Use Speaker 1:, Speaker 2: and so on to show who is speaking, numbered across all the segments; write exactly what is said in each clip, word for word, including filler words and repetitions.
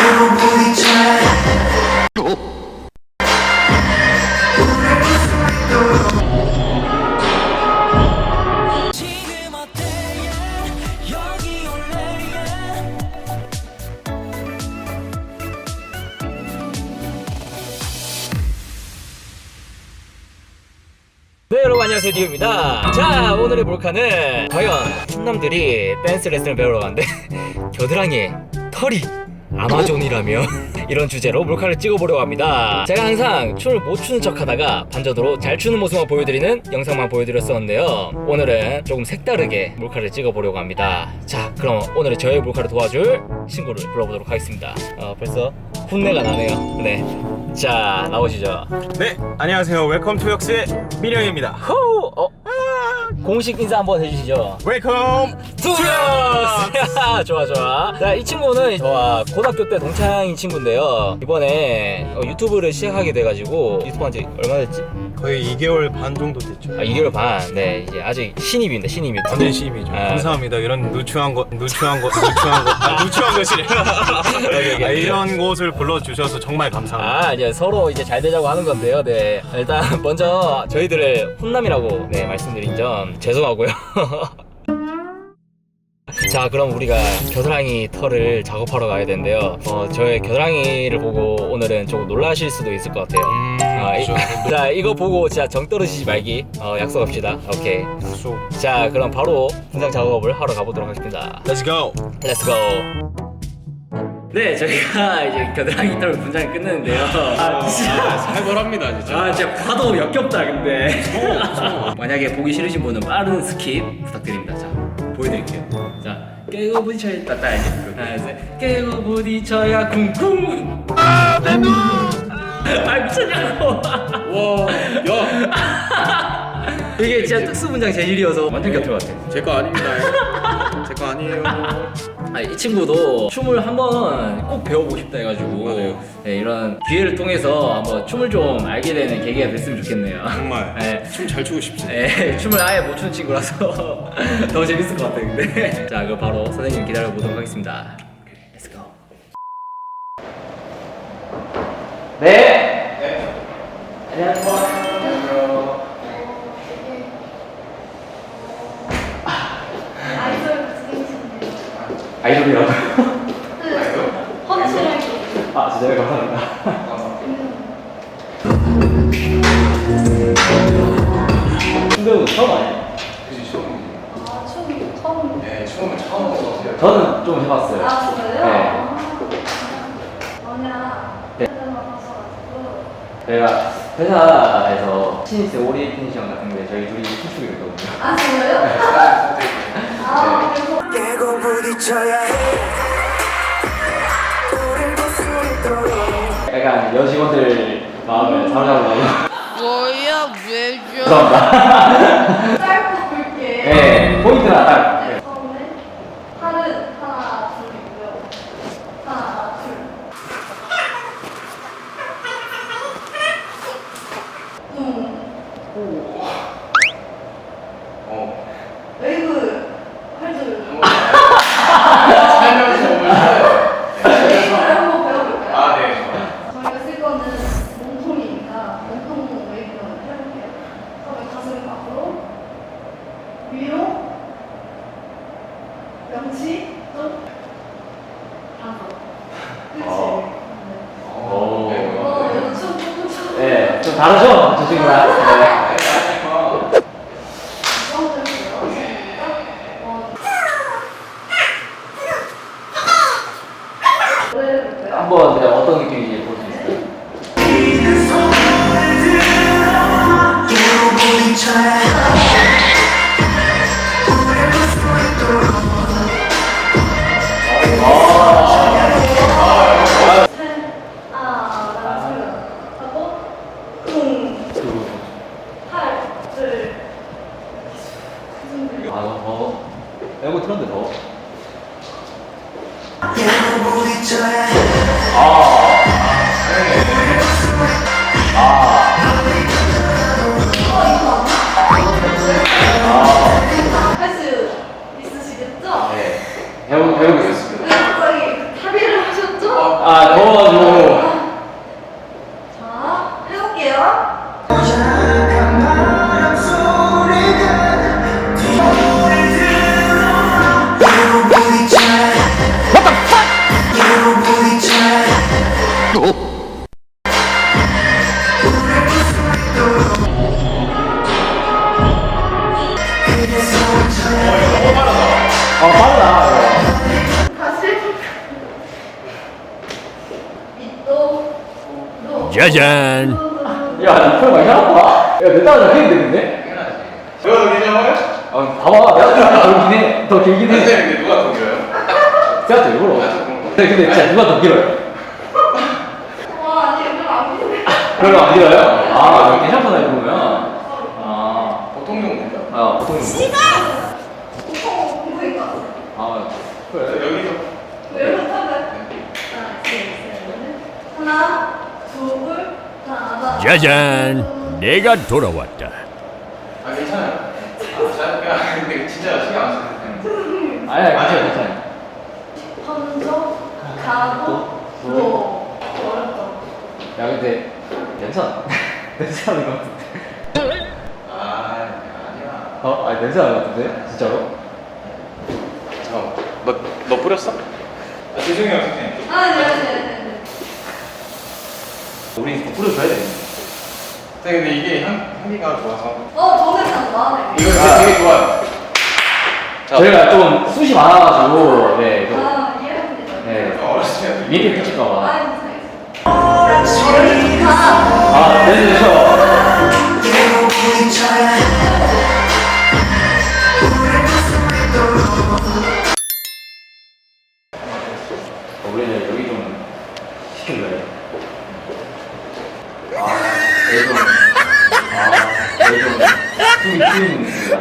Speaker 1: 네, 여러분 안녕하세요, 디오입니다. 자, 오늘의 몰카는 과연 훈남들이 댄스 레슨을 배우러 가는데 겨드랑이에 털이 아마존이라며 이런 주제로 몰카를 찍어보려고 합니다. 제가 항상 춤을 못 추는 척 하다가 반전으로 잘 추는 모습만 보여드리는 영상만 보여드렸었는데요, 오늘은 조금 색다르게 몰카를 찍어보려고 합니다. 자, 그럼 오늘의 저의 몰카를 도와줄 친구를 불러보도록 하겠습니다. 어, 벌써 훈내가 나네요. 네, 자, 나오시죠.
Speaker 2: 네, 안녕하세요. 웰컴 투 역스의 민영입니다.
Speaker 1: 후! 어? 공식 인사 한번 해주시죠.
Speaker 2: 웰컴
Speaker 1: 투 역스! 좋아 좋아. 자, 이 친구는 저와 고등학교 때 동창인 친구인데요, 이번에 어, 유튜브를 시작하게 돼가지고 유튜브 한지 얼마 됐지?
Speaker 2: 거의 이 개월 반 정도 됐죠.
Speaker 1: 아, 이 개월 반. 네, 이제 아직 신입입니다. 신입 유튜브.
Speaker 2: 완전 시입이죠.
Speaker 1: 아,
Speaker 2: 감사합니다. 이런 누추한 것, 누추한 것, 누추한 것, 아, 누추한 것이래. 아, 이런 곳을 불러주셔서 정말 감사합니다.
Speaker 1: 아, 이제 서로 이제 잘 되자고 하는 건데요. 네, 일단 먼저 저희들을 훈남이라고 네 말씀드린 점 죄송하고요. 자, 그럼 우리가 겨드랑이 털을 작업하러 가야 되는데요, 어, 저의 겨드랑이를 보고 오늘은 조금 놀라실 수도 있을 것 같아요.
Speaker 2: 음,
Speaker 1: 아, 이,
Speaker 2: 그렇죠.
Speaker 1: 자, 이거 보고 진짜 정 떨어지지 말기 어, 약속합시다. 오케이.
Speaker 2: 약속.
Speaker 1: 자, 그럼 바로 분장 작업을 하러 가보도록 하겠습니다.
Speaker 2: Let's go.
Speaker 1: Let's go. 네, 저희가 이제 겨드랑이 털 분장을 끝냈는데요. 아, 진짜
Speaker 2: 살벌합니다, 진짜.
Speaker 1: 아, 진짜 봐도 역겹다, 근데. 만약에 보기 싫으신 분은 빠른 스킵 부탁드립니다. 자, 보여드릴게요. 자, 깨고 부딪혀야 따 따야지. 하나, 셋. 깨고 부딪혀야 쿵쿵. 아, 내 눈. 아, 미쳤냐고.
Speaker 2: 와, 야,
Speaker 1: 이게 진짜 특수 분장 재질이어서 완전 겹칠 것 같아.
Speaker 2: 제 거 아닙니다. 제 거 아니에요.
Speaker 1: 아, 이 친구도 춤을 한번 꼭 배워보고 싶다 해가지고
Speaker 2: 맞아요.
Speaker 1: 네, 이런 기회를 통해서 한번 춤을 좀 알게 되는 계기가 됐으면 좋겠네요.
Speaker 2: 정말
Speaker 1: 네.
Speaker 2: 춤 잘 추고 싶지.
Speaker 1: 네, 춤을 아예 못 추는 친구라서 더 재밌을 것 같아요, 근데. 자, 그럼 바로 선생님 기다려보도록 하겠습니다. Let's go. 네. 네. 안녕하세요. 아이돌이라고?
Speaker 3: 그 확실하게.
Speaker 1: 아, 진짜요? 감사합니다. 춤배우 처음 아니에요?
Speaker 4: 그치, 처음이지.
Speaker 3: 아, 춤 처음.
Speaker 4: 네, 처음에 처음 한것 같아요.
Speaker 1: 저는 좀 해봤어요.
Speaker 3: 아, 진짜요?
Speaker 1: 네.
Speaker 3: 아, 뭐냐.
Speaker 1: 네.
Speaker 3: 그때만 가셔가지고.
Speaker 1: 저희가 회사에서 신입생 오리엔테이션 같은 거에 저희 둘이 춤추기로 했거든요.
Speaker 3: 아, 진짜요? 아, 그래서.
Speaker 5: 깨고 부딪혀야 해. 우릴 볼 수 있도록.
Speaker 1: 약간 여직원들 마음을 사로잡으려고.
Speaker 6: 뭐야 왜 줘?
Speaker 1: 죄송합니다.
Speaker 3: 짧고 굵게.
Speaker 1: 네, 포인트나 딱. 네.
Speaker 3: 처음에 팔은 하나, 둘이고요. 하나, 둘. 음.
Speaker 4: 어.
Speaker 3: 웨이브 할 줄.
Speaker 4: 살면서 오늘
Speaker 3: 웨이브를 한번 배워볼까요?
Speaker 4: 아, 네. 좋아요.
Speaker 3: 저희가 쓸 거는 몸통이니까 몸통 웨이브를 한번 해볼게요. 처음에 가슴 앞으로, 위로, 명치, 좀, 다섯. 그치?
Speaker 1: 어.
Speaker 3: 네.
Speaker 1: 오.
Speaker 4: 네.
Speaker 3: 어, 이거 춤 조금 춰.
Speaker 1: 네, 좀 다르죠? 저 친구랑. 네. 한번 그냥 어떤 느낌인지 볼 수 있어요?
Speaker 5: 깨고 부딪혀야 해. 우릴 볼 수 있도록.
Speaker 3: 하나, 둘, 하고, 쿵, 팔, 둘,
Speaker 1: 아, 더. 에고 틀었는데 더.
Speaker 5: 깨고 부딪혀야 해.
Speaker 1: 아. 아 더워가지고.
Speaker 3: 자, 해볼게요.
Speaker 5: 잠깐 바람 소리가 뒷문을 들어와 You 부딪혀야 What the fuck You 부딪혀야
Speaker 1: 아 빨라.
Speaker 3: 다시 해볼게요. 밑도, 도.
Speaker 7: 짜잔.
Speaker 1: 야 이거 많이 나왔다. 야내 딸은 해야 되는데?
Speaker 4: 제가 더 긴장해요?
Speaker 1: 아 봐봐 내가 더 길긴 해. 더 길긴 해.
Speaker 4: 근데 누가 더 길어요?
Speaker 1: 제가 더 일부러. 근데 근데 진짜 누가 더 길어요?
Speaker 3: 와, 아니, 이거 안 보이네.
Speaker 1: 별로 안 길어요? 아 괜찮구나 이거 보면. 아,
Speaker 4: 보통 정도인가?
Speaker 1: 아 보통.
Speaker 3: 보통 보일 것 같아.
Speaker 1: 아 그래.
Speaker 4: 여기서
Speaker 3: 왜 이렇게 하면? 하나, 둘, 셋, 넷. 하나, 둘, 하나.
Speaker 7: 짜잔. 내가 돌아왔다.
Speaker 4: 아 괜찮아요. 아, 잘 그냥 근데 진짜 신경 안 쓰는데.
Speaker 1: 아니야 괜찮아 괜찮아.
Speaker 3: 먼저 가고 로. 어렵죠.
Speaker 1: 야 근데 괜찮아. 냄새 나는 것 같은데.
Speaker 4: 아 아니야.
Speaker 1: 어? 아니 냄새 나는 것 같은데? 진짜로?
Speaker 4: 잠깐. 너너 뿌렸어? 아, 죄송해요 선생님.
Speaker 3: 아, 네, 네, 네.
Speaker 1: 우리 뿌려줘야 돼.
Speaker 4: 선생님 근데 이게 향 향기가 좋아서.
Speaker 3: 어, 저는 그냥 나네.
Speaker 4: 이거 되게, 되게 좋아요. 자,
Speaker 1: 저희가 좀 숱이 많아가지고 네 좀.
Speaker 3: 아, 이해합니다.
Speaker 1: 네.
Speaker 4: 어렸을 때
Speaker 1: 미리 붙일까봐.
Speaker 3: 아, 괜찮아요. 저는 다.
Speaker 1: 아 네, 네, 저.
Speaker 5: You 부딪혀야
Speaker 1: 어, 우리는 여기 좀 시킬래요? 아, 여기 좀. 아, 여기 좀. 숨이 튀는 있습니다.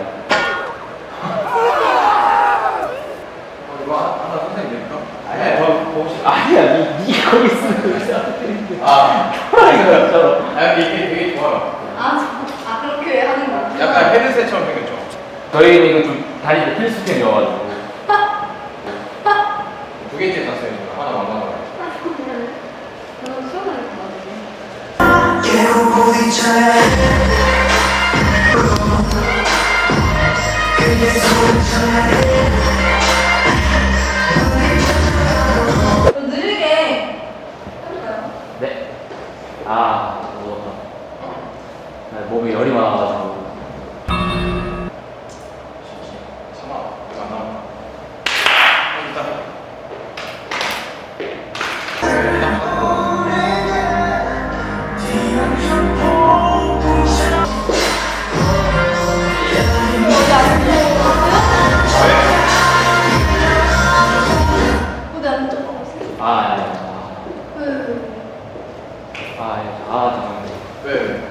Speaker 4: 이거 하나 선생님 내릴까?
Speaker 1: 아니야, 저 혹시 아니야, 니, 니 거기 있으면 진짜 안 되는데.
Speaker 4: 아,
Speaker 1: 이거 진짜로.
Speaker 4: 아 근데 이게 되게 좋아요.
Speaker 3: 아, 저, 아, 그렇게 하는 거.
Speaker 4: 약간 헤드셋처럼 생겼죠?
Speaker 1: 저희는 이거 좀 다리 필수템이어가지고.
Speaker 4: 두 개째 샀어요 지금 하나 망가져요.
Speaker 3: 저는 시원하게 받아요.
Speaker 5: You 부딪혀야 그게 소리쳐야
Speaker 3: 좀 느리게 해볼까요?
Speaker 1: 네. 아, 무섭다. 아, 몸에 열이 많아가지고.
Speaker 4: 참아. 이거 안 나와. 일단.
Speaker 3: 무대 안 쫓아가세요?
Speaker 1: 아, 아니, 아,
Speaker 3: 그,
Speaker 1: 아, 아니, 아, 잠깐만요.
Speaker 4: 왜? 왜?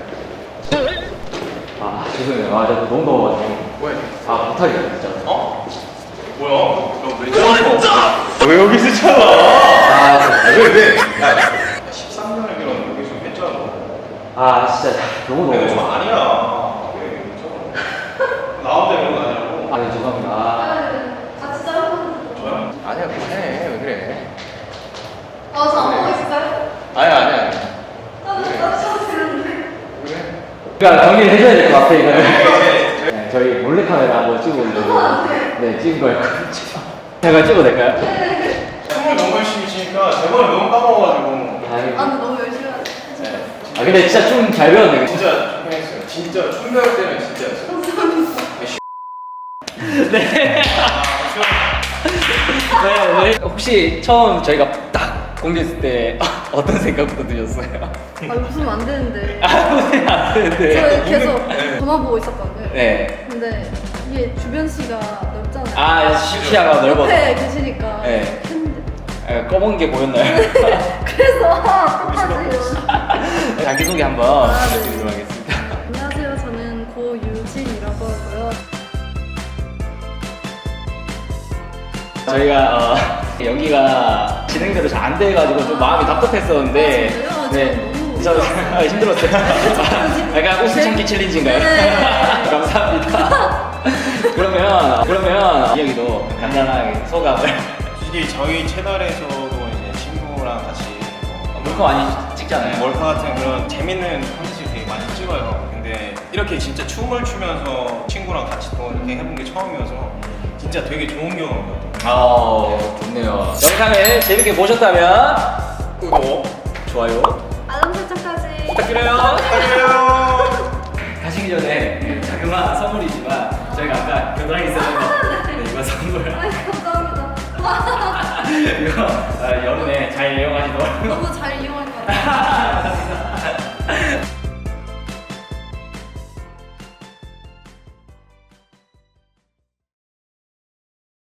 Speaker 1: 아, 죄송해요. 아, 제가 너무 더워가지고.
Speaker 4: 왜?
Speaker 1: 아, 못하겠다, 진짜.
Speaker 4: 어? 뭐야? 너왜 저러고? 왜 여기 있었잖아?
Speaker 1: 아,
Speaker 4: 왜 왜? 야, 십삼 년을 밀었는데 여기 좀 했잖아.
Speaker 1: 아, 진짜 너무
Speaker 4: 내가 좀
Speaker 1: 더워.
Speaker 4: 아니야. 왜 여기 있어? 나 혼자 이런 거 아니라고.
Speaker 1: 아, 네, 죄송합니다. 아,
Speaker 3: 아, 같이 자르면
Speaker 4: 저요? 아니야 그만해. 왜 그래?
Speaker 3: 아, 저 안 보고 있을까요?
Speaker 4: 아니야 아니야.
Speaker 3: 나도 나도 되는데.
Speaker 4: 그래?
Speaker 1: 그러니까 정리를 해줘야 될 것 같아, 이거는. 네, 저희 몰래카메라 한번 찍어 보려고. 네, 찍은 거였거든요. 제가 찍어도 될까요?
Speaker 4: 춤을 너무 열심히 추니까 제번에 너무 까먹어가지고.
Speaker 3: 아,
Speaker 1: 아이고.
Speaker 3: 근데 너무 열심히 하죠.
Speaker 4: 네.
Speaker 1: 아, 근데 진짜 춤 잘 배웠네.
Speaker 4: 진짜 좋겠어요. 진짜 춤 배울 때는 진짜.
Speaker 1: 네. 네, 네. 혹시 처음 저희가 딱 공개했을 때 어떤 생각부터 드셨어요?
Speaker 3: 아, 웃으면 안 되는데.
Speaker 1: 아, 웃으면 안 되는데.
Speaker 3: 저 계속 전화 보고 있었거든요.
Speaker 1: 네.
Speaker 3: 근데 이게 주변 씨가 넓잖아요.
Speaker 1: 아, 시야가 넓어서.
Speaker 3: 옆에 계시니까
Speaker 1: 네.
Speaker 3: 했는데.
Speaker 1: 에, 검은 게 보였나요?
Speaker 3: 그래서 아, 어떡하지?
Speaker 1: 자기소개 한번
Speaker 3: 아, 네.
Speaker 1: 부탁드리도록 하겠습니다.
Speaker 3: 안녕하세요. 저는 고유진이라고 하고요.
Speaker 1: 저희가 어, 연기가 진행대로 잘 안 돼가지고 좀 마음이 답답했었는데
Speaker 3: 아, 진짜요?
Speaker 1: 네,
Speaker 3: 저
Speaker 1: 저
Speaker 3: 너무
Speaker 1: 아, 힘들었어요. 아, 약간 웃음 참기 챌린지인가요?
Speaker 3: 네.
Speaker 1: 감사합니다. 그러면 그러면 이야기도 간단하게 소감을.
Speaker 2: 솔직히 저희 채널에서도 이제 친구 친구랑 같이
Speaker 1: 몰카 많이 찍잖아요.
Speaker 2: 몰카 같은 그런 재밌는 컨텐츠 되게 많이 찍어요. 근데 이렇게 진짜 춤을 추면서 친구랑 같이 또 이렇게 해본 게 처음이어서 진짜 되게 좋은 경험인 것 같아요.
Speaker 1: 아, 좋네요. 영상을 재밌게 보셨다면 구독, 좋아요
Speaker 3: 알람 설정까지
Speaker 1: 부탁드려요.
Speaker 2: 안녕.
Speaker 1: 가시기 전에 자그마한 선물이지만 저희가 아까 겨드랑이 쓰는 거 네, 이거 선물.
Speaker 3: 아이 감사합니다.
Speaker 1: 이거 아, 여름에 잘 이용하시도록.
Speaker 3: 너무 잘 이용할 것 같아요.